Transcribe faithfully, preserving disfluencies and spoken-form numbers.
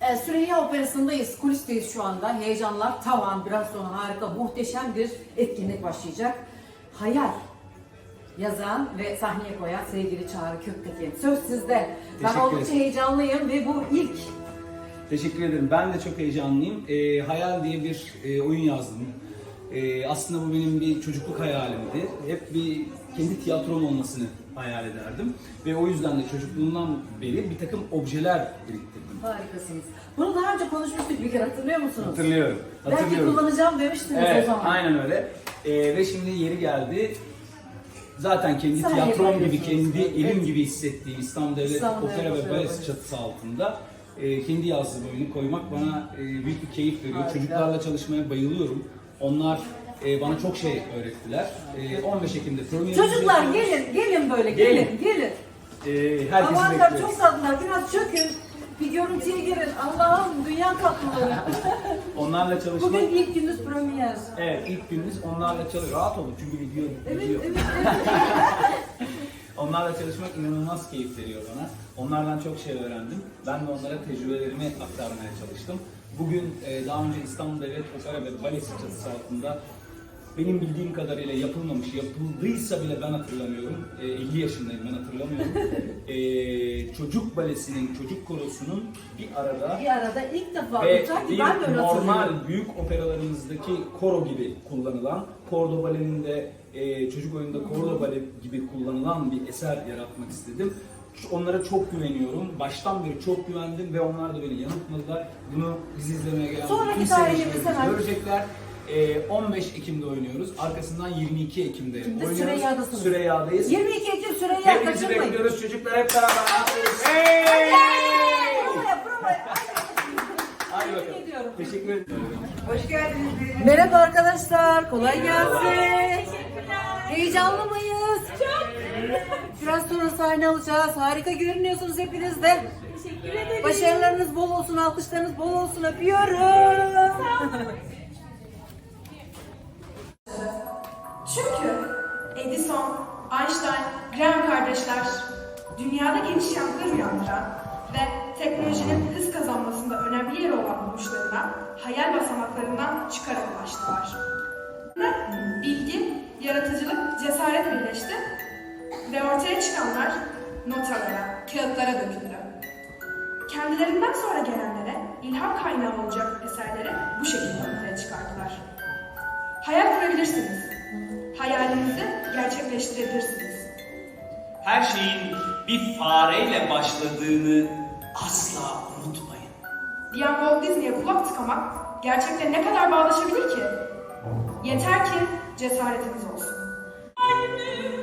E, Süreyya Operası'ndayız, kulisteyiz şu anda. Heyecanlar tavan, biraz sonra harika, muhteşem bir etkinlik başlayacak. Hayal yazan ve sahneye koyan sevgili Çağrı Köktekin. Söz sizde. Ben Teşekkür oldukça ederim. heyecanlıyım ve bu ilk. Teşekkür ederim. Ben de çok heyecanlıyım. Ee, Hayal diye bir e, oyun yazdım. Ee, aslında bu benim bir çocukluk hayalimdi. Hep bir kendi tiyatrom olmasını hayal ederdim. Ve o yüzden de çocukluğumdan beri bir takım objeler biriktirdim. Harikasınız. Bunu daha önce konuşmuştuk bir kere, hatırlıyor musunuz? Hatırlıyorum. Belki Hatırlıyorum. kullanacağım demiştiniz Evet, o zaman. aynen öyle. Ee, ve şimdi yeri geldi. Zaten kendi Sahne tiyatrom gibi, yapıyorsunuz. kendi evim Evet. gibi hissettiğim İstanbul Devlet İstanbul Opera Devlet ve Opera Balesi Balesi. çatısı altında e, kendi yazdığım oyunu koymak bana e, büyük bir keyif veriyor. Harika. Çocuklarla çalışmaya bayılıyorum. Onlar e, bana çok şey öğrettiler. E, on beş Ekim'de premierimizi Çocuklar yapıyoruz. gelin, gelin böyle, gelin, Gelin. gelin. E, herkesi Amanlar bekliyoruz. çok tatlılar, biraz çökün. Bir görüntüye girin. Allah'ım, dünya tatlıları. Onlarla çalışmak... Bugün ilk gününüz premier. Evet, ilk günümüz onlarla çalışıyoruz. Rahat olun çünkü video Evet, video. evet, evet. Onlarla çalışmak inanılmaz keyif veriyor bana. Onlardan çok şey öğrendim. Ben de onlara tecrübelerimi aktarmaya çalıştım. Bugün e, daha önce İstanbul Devlet Opera ve Balesi çatısı altında benim bildiğim kadarıyla yapılmamış, yapıldıysa bile ben hatırlamıyorum. E, elli yaşındayım, ben hatırlamıyorum. e, çocuk balesinin, çocuk korosunun bir arada Bir arada ilk defa ve sanki bir ben de öyle hatırlıyorum. normal büyük operalarımızdaki koro gibi kullanılan, Kordo Bale'nin de e, çocuk oyununda Kordo Bale gibi kullanılan bir eser yaratmak istedim. Şu- Onlara çok güveniyorum. Baştan beri çok güvendim ve onlar da beni yanıltmadılar. Bunu bizi izlemeye gelen Sonraki bütün tarihimiz seyircilerimiz hemen. görecekler. E, on beş Ekim'de oynuyoruz. Arkasından yirmi iki Ekim'de Şimdi oynuyoruz. Süreyya'dasınız. Süreyya'dayız. yirmi iki Ekim Süreyya, Hepinizi kaçırmayın. bekliyoruz. Çocuklar hep beraber yapıyoruz. Hey! Provaya, provaya. Hadi Tebrik bakalım. ediyorum. Teşekkür ederim. Hoş geldiniz. Merhaba arkadaşlar, kolay gelsin. Heyecanlı mıyız? Çok. Biraz sonra sahne alacağız. Harika görünüyorsunuz hepiniz de. Teşekkür ederim. Başarılarınız bol olsun, alkışlarınız bol olsun. Öpüyorum. Çünkü Edison, Einstein, Graham kardeşler dünyada geniş yankılar uyandıran ve teknolojinin hız kazanmasında önemli yeri olan buluşlarına hayal basamaklarından çıkarak ulaştılar. Bilgi, yaratıcılık, cesaret birleşti ve ortaya çıkanlar notalara, kağıtlara döküldü. Kendilerinden sonra gelenlere ilham kaynağı olacak eserleri bu şekilde ortaya çıkardılar. Hayal kurabilirsiniz. Hayalinizi gerçekleştirebilirsiniz. Her şeyin bir fareyle başladığını asla unutmayın. Diyen Walt Disney'e kulak tıkamak gerçekle ne kadar bağdaşabilir ki? Yeter ki cesaretiniz olsun.